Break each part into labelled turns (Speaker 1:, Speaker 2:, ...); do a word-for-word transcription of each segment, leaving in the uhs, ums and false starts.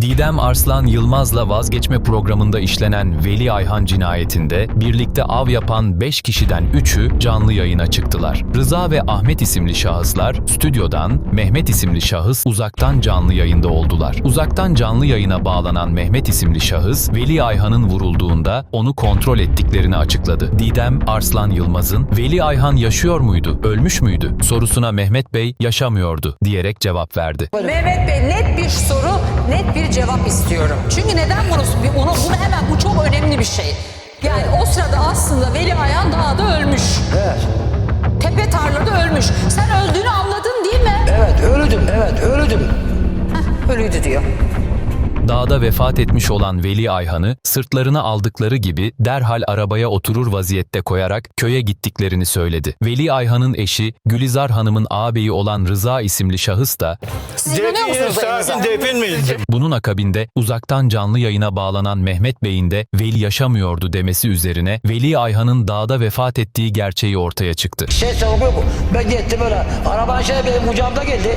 Speaker 1: Didem Arslan Yılmaz'la vazgeçme programında işlenen Veli Ayhan cinayetinde birlikte av yapan beş kişiden üçü canlı yayına çıktılar. Rıza ve Ahmet isimli şahıslar stüdyodan, Mehmet isimli şahıs uzaktan canlı yayında oldular. Uzaktan canlı yayına bağlanan Mehmet isimli şahıs, Veli Ayhan'ın vurulduğunda onu kontrol ettiklerini açıkladı. Didem Arslan Yılmaz'ın "Veli Ayhan yaşıyor muydu, ölmüş müydü?" sorusuna Mehmet Bey "yaşamıyordu" diyerek cevap verdi.
Speaker 2: Mehmet Bey, net bir soru, net bir cevap istiyorum. Çünkü neden bunu, bunu, bunu hemen, bu çok önemli bir şey. Yani o sırada aslında Veli Ayhan dağda ölmüş.
Speaker 3: Evet.
Speaker 2: Tepe tarlada ölmüş. Sen öldüğünü anladın değil mi?
Speaker 3: Evet, öldüm, evet, öldüm.
Speaker 2: Heh, ölüydü diyor.
Speaker 1: Dağda vefat etmiş olan Veli Ayhan'ı sırtlarına aldıkları gibi derhal arabaya oturur vaziyette koyarak köye gittiklerini söyledi. Veli Ayhan'ın eşi Gülizar Hanım'ın ağabeyi olan Rıza isimli şahıs da
Speaker 2: Siz inanıyor musunuz elinize?
Speaker 4: Defin miyiz?
Speaker 1: bunun akabinde uzaktan canlı yayına bağlanan Mehmet Bey'in de Veli yaşamıyordu demesi üzerine Veli Ayhan'ın dağda vefat ettiği gerçeği ortaya çıktı.
Speaker 3: Şey soruyor bu. Ben gittim öyle. Araban şey benim kucağımda geldi.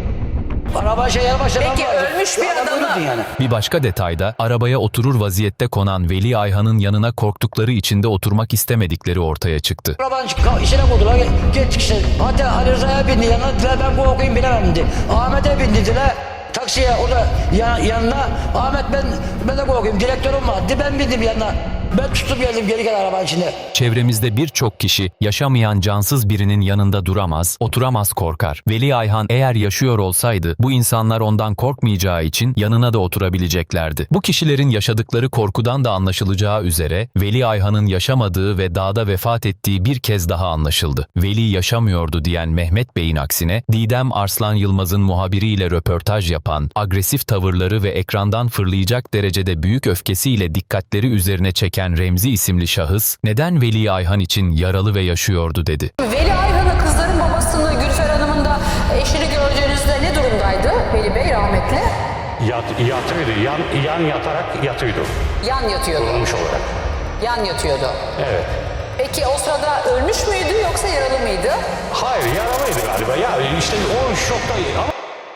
Speaker 3: Araban şey yanı başladı.
Speaker 2: Peki ölmüş bir adamı.
Speaker 3: Yani.
Speaker 1: Bir başka detayda arabaya oturur vaziyette konan Veli Ayhan'ın yanına korktukları içinde oturmak istemedikleri ortaya çıktı.
Speaker 3: Arabanın içine koydular. Gittik işte. Hatta Ali Rıza'ya bindi yanına. Dediler ben bu okuyayım bilemem dedi. Ahmet'e bindi dediler. Taksiye o da yan, yanına. Ahmet ben ben de korkayım. Direktörüm vardı. Ben bindim yanına. Ben tutup geldim geri gel arabanın içinde.
Speaker 1: Çevremizde birçok kişi yaşamayan cansız birinin yanında duramaz, oturamaz, korkar. Veli Ayhan eğer yaşıyor olsaydı bu insanlar ondan korkmayacağı için yanına da oturabileceklerdi. Bu kişilerin yaşadıkları korkudan da anlaşılacağı üzere Veli Ayhan'ın yaşamadığı ve dağda vefat ettiği bir kez daha anlaşıldı. Veli yaşamıyordu diyen Mehmet Bey'in aksine Didem Arslan Yılmaz'ın muhabiriyle röportaj yapan, agresif tavırları ve ekrandan fırlayacak derecede büyük öfkesiyle dikkatleri üzerine çeken Remzi isimli şahıs, neden Veli Ayhan için yaralı ve yaşıyordu dedi.
Speaker 2: Veli Ayhan'ı, kızların babasını, Gülfer Hanım'ın da eşini gördüğünüzde ne durumdaydı Veli Bey rahmetli?
Speaker 4: Yat, yatıyordu. Yan, yan yatarak yatıyordu.
Speaker 2: Yan yatıyordu.
Speaker 4: Olmuş olarak.
Speaker 2: Yan yatıyordu.
Speaker 4: Evet.
Speaker 2: Peki o sırada ölmüş müydü yoksa yaralı mıydı?
Speaker 4: Hayır, yaralıydı galiba. Ya işte o şokta ama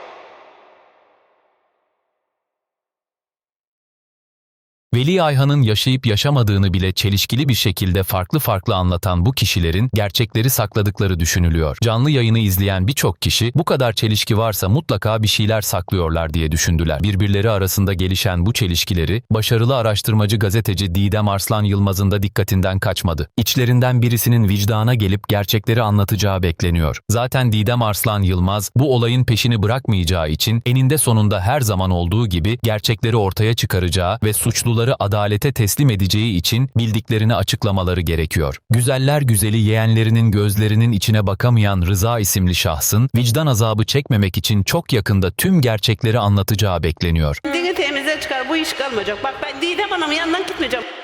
Speaker 1: Veli Ayhan'ın yaşayıp yaşamadığını bile çelişkili bir şekilde farklı farklı anlatan bu kişilerin gerçekleri sakladıkları düşünülüyor. Canlı yayını izleyen birçok kişi bu kadar çelişki varsa mutlaka bir şeyler saklıyorlar diye düşündüler. Birbirleri arasında gelişen bu çelişkileri başarılı araştırmacı gazeteci Didem Arslan Yılmaz'ın da dikkatinden kaçmadı. İçlerinden birisinin vicdana gelip gerçekleri anlatacağı bekleniyor. Zaten Didem Arslan Yılmaz bu olayın peşini bırakmayacağı için eninde sonunda her zaman olduğu gibi gerçekleri ortaya çıkaracağı ve suçluları adalete teslim edeceği için bildiklerini açıklamaları gerekiyor. Güzeller güzeli yeğenlerinin gözlerinin içine bakamayan Rıza isimli şahsın vicdan azabı çekmemek için çok yakında tüm gerçekleri anlatacağı bekleniyor.
Speaker 5: Dini temize çıkar, bu iş kalmayacak. Bak ben Didem Hanım'ın yanından gitmeyeceğim.